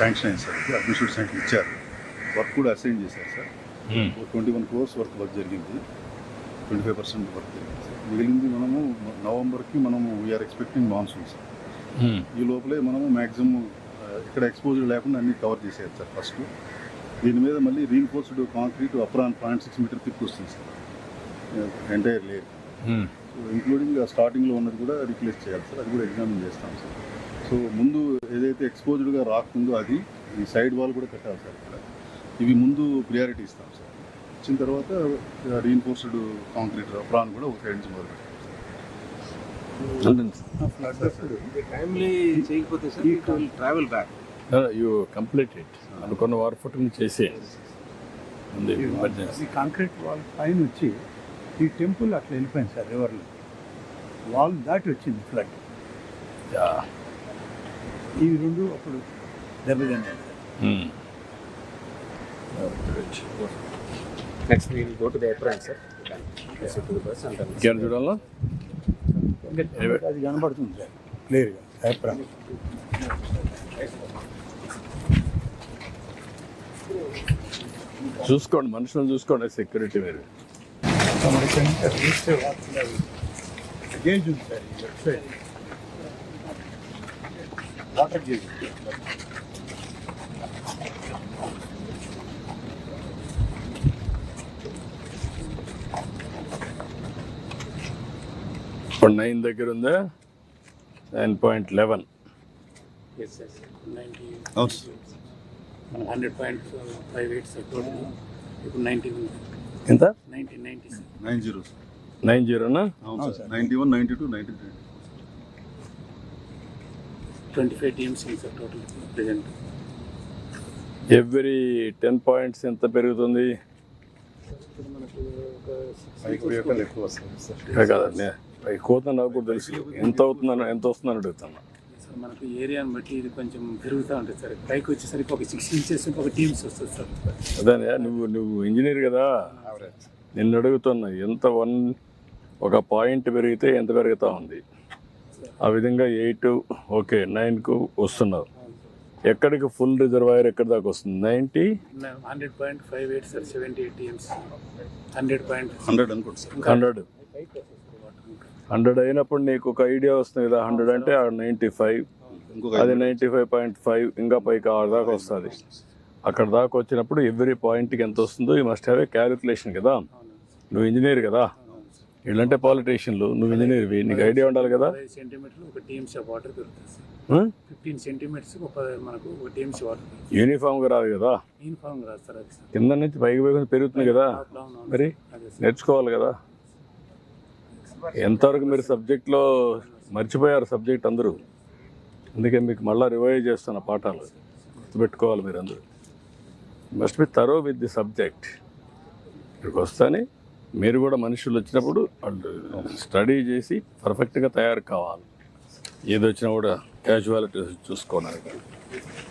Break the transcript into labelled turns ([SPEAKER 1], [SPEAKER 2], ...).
[SPEAKER 1] Sanction అయింది sir, administrative sanction ఇచ్చారు. Work కూడా అసైన్ చేశారు సార్. 21 crores వర్క్ జరిగింది, 25% వర్క్ జరిగింది సార్. మిగిలింది మనము నవంబర్కి వీఆర్ ఎక్స్పెక్టింగ్ మాన్సూన్ సార్. ఈ లోపలే మనము మ్యాక్సిమం ఇక్కడ ఎక్స్పోజర్ లేకుండా అన్ని కవర్ చేసేది సార్. ఫస్ట్ దీని మీద మళ్ళీ రీఇన్ఫోర్స్డ్ కాంక్రీట్ అప్రాన్ 0.6 మీటర్ తిప్పి వస్తుంది sir entire layer. So including స్టార్టింగ్లో ఉన్నది కూడా రీప్లేస్ చేయాలి సార్, అది కూడా ఎగ్జామిన్ చేస్తాం సార్. సో ముందు ఏదైతే ఎక్స్పోజ్డ్గా రాకుందో అది ఈ సైడ్ వాల్ కూడా కట్టాలి సార్. ఇక్కడ ఇవి ముందు ప్రియారిటీ ఇస్తాం సార్. ఇచ్చిన తర్వాత రీఇన్ఫోర్స్డ్ కాంక్రీట్ అప్రాన్ కూడా ఒక సైడ్ నుంచి మొదలు పెట్టాం
[SPEAKER 2] సార్. యూ కంప్లీట్ ఇట్ అనుకున్న వారు ఫుట్ చేసేయండి.
[SPEAKER 3] కాంక్రీట్ వాల్ పైన వచ్చి ఈ టెంపుల్ అట్లా వెళ్ళిపోయింది సార్, రివర్లో వాల్ దాటి వచ్చింది ఫ్లడ్. ఇవి రెండు అప్పుడు దెబ్బతిన్నాయి.
[SPEAKER 4] Next we'll go to the apron sir.
[SPEAKER 2] ఇక్కడ చూడాలా
[SPEAKER 3] అది కనబడుతుంది సార్ క్లియర్గా అప్రాన్.
[SPEAKER 2] చూసుకోండి, మనుషులను చూసుకోండి, సెక్యూరిటీ మీరు.
[SPEAKER 3] గేజ్ ఉంది సార్ ఈ లెఫ్ట్ సైడ్, వాటర్ గేజ్.
[SPEAKER 2] ఇప్పుడు 9 దగ్గర ఉందా? 9.11.
[SPEAKER 4] Yes sir 90.
[SPEAKER 1] అవును
[SPEAKER 4] 100.58 సార్ టోటల్. ఇప్పుడు 90 ఉంది.
[SPEAKER 2] ఎంత?
[SPEAKER 4] 90 సార్.
[SPEAKER 1] 90 సార్.
[SPEAKER 2] 90నా?
[SPEAKER 1] అవును సార్. 91, 92, 93.
[SPEAKER 4] 25 టీమ్స్ ఉంది sir total present.
[SPEAKER 2] Every 10 points ఎంత పెరుగుతుంది?
[SPEAKER 4] ఇప్పుడు మనకు ఒక
[SPEAKER 1] పైకి పోయాక ఎక్కువ వస్తుంది సార్.
[SPEAKER 2] కదండి, కోత నాకు కూడా తెలుసు ఎంత వస్తుందని అడుగుతాను
[SPEAKER 4] సార్. మనకు ఏరియాని బట్టి ఇది కొంచెం పెరుగుతూ ఉంటుంది సార్. పైకి వచ్చేసరికి ఒక 6 inches ఒక టీమ్స్ వస్తుంది సార్.
[SPEAKER 2] అదే నువ్వు ఇంజనీర్ కదా, నిన్ను అడుగుతున్నా ఎంత ఒక పాయింట్ పెరిగితే ఎంత పెరుగుతూ ఉంది. ఆ విధంగా 8 ఓకే 9కు వస్తున్నారు. ఎక్కడికి ఫుల్ రిజర్వాయర్ ఎక్కడి దాకా వస్తుంది? 90.
[SPEAKER 4] 100.58 సార్. 78 టీమ్స్ 100
[SPEAKER 1] అనుకోండి సార్.
[SPEAKER 2] 100 అయినప్పుడు నీకు ఒక ఐడియా వస్తుంది కదా. 100 అంటే 95, అది 95.5, ఇంకా పైకి 6 దాకా వస్తుంది. అక్కడ దాకా వచ్చినప్పుడు ఎవ్రీ పాయింట్కి ఎంత వస్తుందో you must have a calculation కదా. నువ్వు ఇంజనీర్ కదా, వీళ్ళంటే పాలిటీషియన్లు, నువ్వు ఇంజనీర్వి, నీకు ఐడియా ఉండాలి కదా.
[SPEAKER 4] 5 సెంటీమీటర్లు ఒక టీమ్స్ వాటర్ పెరుగుతుంది సార్. 15 సెంటీమీటర్స్ మనకు ఒక టీమ్స్ వాటర్.
[SPEAKER 2] యూనిఫామ్గా రాదు కదా,
[SPEAKER 4] యూనిఫామ్ రాదు సార్. అది సార్
[SPEAKER 2] కింద నుంచి పైకి పైకి పెరుగుతుంది కదా, మరి నేర్చుకోవాలి కదా. ఎంతవరకు మీరు సబ్జెక్ట్లో మర్చిపోయారు సబ్జెక్ట్ అందరూ, అందుకే మీకు మళ్ళీ రివైజ్ చేస్తున్న పాఠాలు గుర్తుపెట్టుకోవాలి మీరు అందరూ. Must be thorough with the subject. ఇక్కడికి వస్తానే మీరు కూడా మనుషులు వచ్చినప్పుడు వాళ్ళు స్టడీ చేసి పర్ఫెక్ట్గా తయారు కావాలి. ఏది వచ్చినా కూడా క్యాజువాలిటీ చూసుకోవాలి.